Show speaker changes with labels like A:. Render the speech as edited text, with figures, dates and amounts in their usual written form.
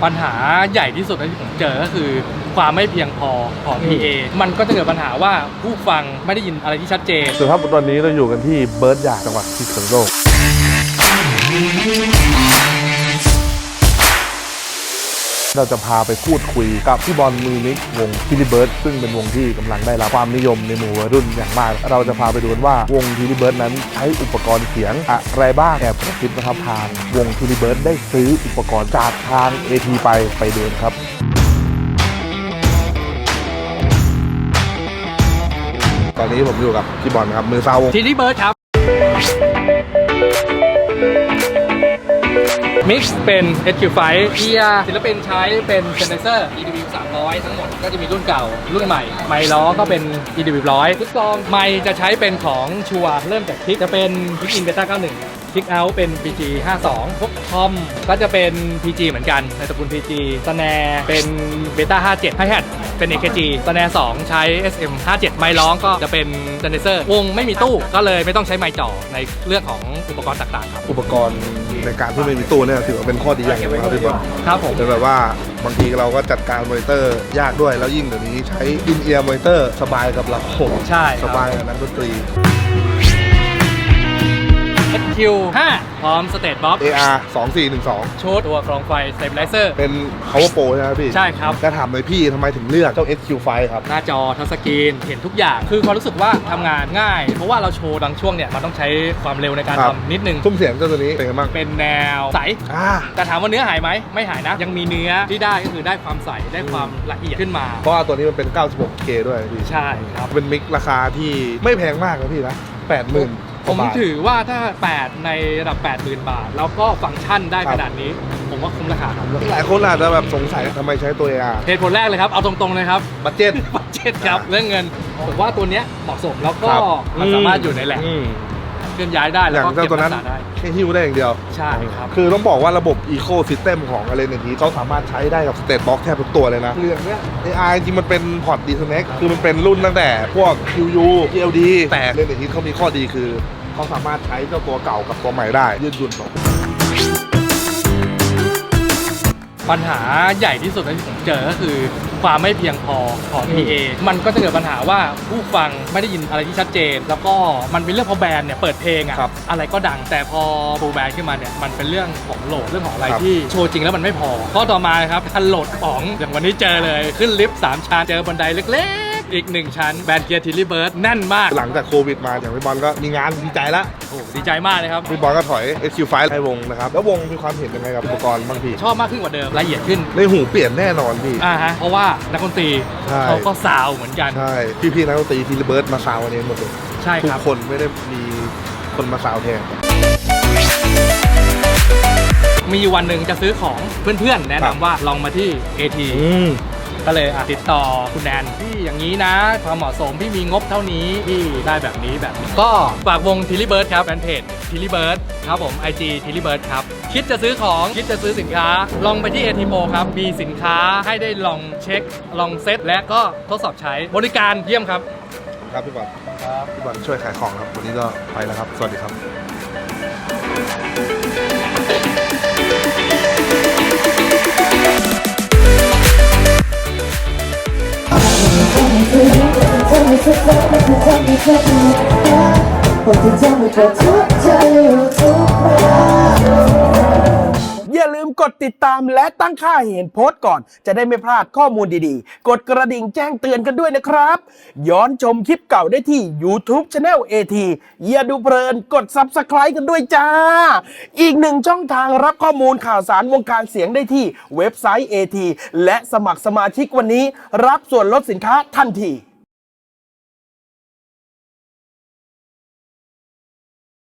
A: ปัญหาใหญ่ที่สุดที่ผมเจอก็คือความไม่เพียงพอของ PA มันก็จะเกิดปัญหาว่าผู้ฟังไม่ได้ยินอะไรที่ชัดเจน
B: ส่วนครับตอนนี้เราอยู่กันที่เบิร์ดยาจังหวัดพิษณุโลกเราจะพาไปพูดคุยกับพี่บอลมือมิกวงทิลิเบิร์ดซึ่งเป็นวงที่กำลังได้รับความนิยมในหมู่วัยรุ่นอย่างมากเราจะพาไปดูว่าวงทิลิเบิร์ดนั้นใช้อุปกรณ์เสียงอะไรบ้างแอบกระซิบนะครับทางวงทิลิเบิร์ดได้ซื้ออุปกรณ์จากทาง AT ไปเดินครับตอนนี้ผมอยู่กับพี่บอลครับมือซาววง
A: ทิลิเบิร์ดครับมิกซ์เป็น HQ5 เกียร์ศิลปินใช้เป็น Sennheiser EDW 300 ทั้งหมดก็จะมีรุ่นเก่ารุ่นใหม่ไมค์ล้อก็เป็น EDW 100ทุกซองไมค์จะใช้เป็นของชัวเริ่มจากคิกจะเป็น Kick In Beta 91 คิกเอาท์เป็น PG 52พวกทอมก็จะเป็น PG เหมือนกันในตระกูล PG สแนร์เป็น Beta 57 Hi-Hat เป็น AKG สแนร์2ใช้ SM 57ไมค์ร้องก็จะเป็น Sennheiser วงไม่มีตู้ก็เลยไม่ต้องใช้ไมค์จ่อในเรื่องของอุปกรณ์ต่างๆครับ
B: อุปกรณ์ในการที่ไม่มีตู้เนี่ยถือว่าเป็นข้อดีอย่างหนึ่งครับพี่บอล
A: ครับผม
B: เป็นแบบว่าบางทีเราก็จัดการมอนิเตอร์ยากด้วยแล้วยิ่งเดี๋ยวนี้ใช้อินเอียร์มอนิเตอร์สบายกับเรา
A: ใช่
B: สบายกับนักดนตรี
A: HQ5 พร้อมสเตทบ็อกซ์
B: AR 2412
A: ชุดตัวกรองไฟ Stabilizer
B: เป็น Power Pro ใช่ไหมพี่
A: ใช่ครับ
B: จะถามเลยพี่ทำไมถึงเลือกเจ้า HQ5 ครับ
A: หน้าจอทัชสกรีนเห็นทุกอย่างคือความรู้สึกว่าทำงานง่ายเพราะว่าเราโชว์บางช่วงเนี่ยมันต้องใช้ความเร็วในการทำนิดนึง
B: ซุ้มเสียงเจ้าตัวนี้เป็นไงบ้าง
A: เป็นแนวใสแต่ถามว่าเนื้อหายไหมไม่หายนะยังมีเนื้อที่ได้ก็คือได้ความใสได้ความละเอียดขึ้นมา
B: เพราะว่าตัวนี้มันเป็น 96K ด้วยพี่
A: ใช่ครับ
B: เป็นมิกราคาที่ไม่แพงมากนะพี่นะ 80,000
A: ผมถือว่าถ้า8ในระดับ 80,000 บาทแล้วก็ฟังก์ชันได้ขนาดนี้ผมว่าคุ้มราคาครับ
B: หลายคนอาจจะแบบสงสัยทำไมใช้ตัว AR
A: เหตุผลแรกเลยครับเอาตรงๆเลยครับ
B: บัดเจ็ต
A: ครับเรื่องเงินผมว่าตัวนี้เหมาะสมแล้วก็มันสามารถอยู่ในแหล่งเคลื่อนย้ายได้แล้วก็เก็บรักษาได้
B: แค่หิ้วได้อย่างเดียว
A: ใช่ครับ
B: คือต้องบอกว่าระบบ Eco System ของอะไรในนี้เขาสามารถใช้ได้กับ State Box แทบทุกตัวเลยนะเรื่องเนี้ย AI จริงมันเป็นพอร์ต Disconnect คือมันเป็นรุ่นตั้งแต่พวก QU GLD แต่เรื่องในนี้เขามีข้อดีคือเขาสามารถใช้เจ้าตัวเก่ากับตัวใหม่ได้ยืดหยุ่นต่อ
A: ปัญหาใหญ่ที่สุดที่ผมเจอก็คือความไม่เพียงพอของ PA มันก็จะเกิดปัญหาว่าผู้ฟังไม่ได้ยินอะไรที่ชัดเจนแล้วก็มันเป็นเรื่องพอแบรนด์เนี่ยเปิดเพลงอะไรก็ดังแต่พอฟูลแบนด์ขึ้นมาเนี่ยมันเป็นเรื่องของโหลดเรื่องของอะไรที่โชว์จริงแล้วมันไม่พอข้อต่อมาครับการโหลดของอย่างวันนี้เจอเลยขึ้นลิฟต์3ชั้นเจอบันไดเล็กอีก1ชั้นแบรนด์เกียร์ทิลลี่เบิร์ดแน่นมาก
B: หลังจากโควิดมาอย่างพี่บอลก็มีงานดีใจแล้ว
A: โอ้ดีใจมากเลยครับ
B: พี่บอลก็ถอย HQ5 ให้วงนะครับแล้ววงมีความเห็นยังไงกับอุปกรณ์บางที
A: ชอบมากขึ้นกว่าเดิมละเอียดขึ้น
B: ในหูเปลี่ยนแน่นอนพี่
A: เพราะว่านักดนตรีเขาก็ซาวเหมือนกัน
B: ใช่พี่นักดนตรีทิลลี่เบิร์ดมาซาววันนี้หมดเลย
A: ใช่ครับ
B: ทุกคนไม่ได้มีคนมาซาวแทน
A: มีวันหนึ่งจะซื้อของเพื่อนๆแนะนำว่าลองมาที่ ATก็เลยติดต่อคุณแนนพี่อย่างนี้นะความเหมาะสมพี่มีงบเท่านี้พี่ได้แบบนี้ก็ฝากวงทิลลี่เบิร์ดครับแฟนเพจทิลลี่เบิร์ดครับผม IG ทิลลี่เบิร์ดครับคิดจะซื้อของคิดจะซื้อสินค้าลองไปที่ AT Pro ครับมีสินค้าให้ได้ลองเช็คลองเซ็ตและก็ทดสอบใช้บริการเยี่ยมครับ
B: ครับพี่บอลครับพี่บอลช่วยขายของครับวันนี้ก็ไปแล้วครับสวัสดีครับ
C: อย่าลืมกดติดตามและตั้งค่าเห็นโพสต์ก่อนจะได้ไม่พลาดข้อมูลดีๆกดกระดิ่งแจ้งเตือนกันด้วยนะครับย้อนชมคลิปเก่าได้ที่ YouTube Channel AT อย่าดูเพลินกด Subscribe กันด้วยจ้าอีกหนึ่งช่องทางรับข้อมูลข่าวสารวงการเสียงได้ที่เว็บไซต์ AT และสมัครสมาชิกวันนี้รับส่วนลดสินค้าทันที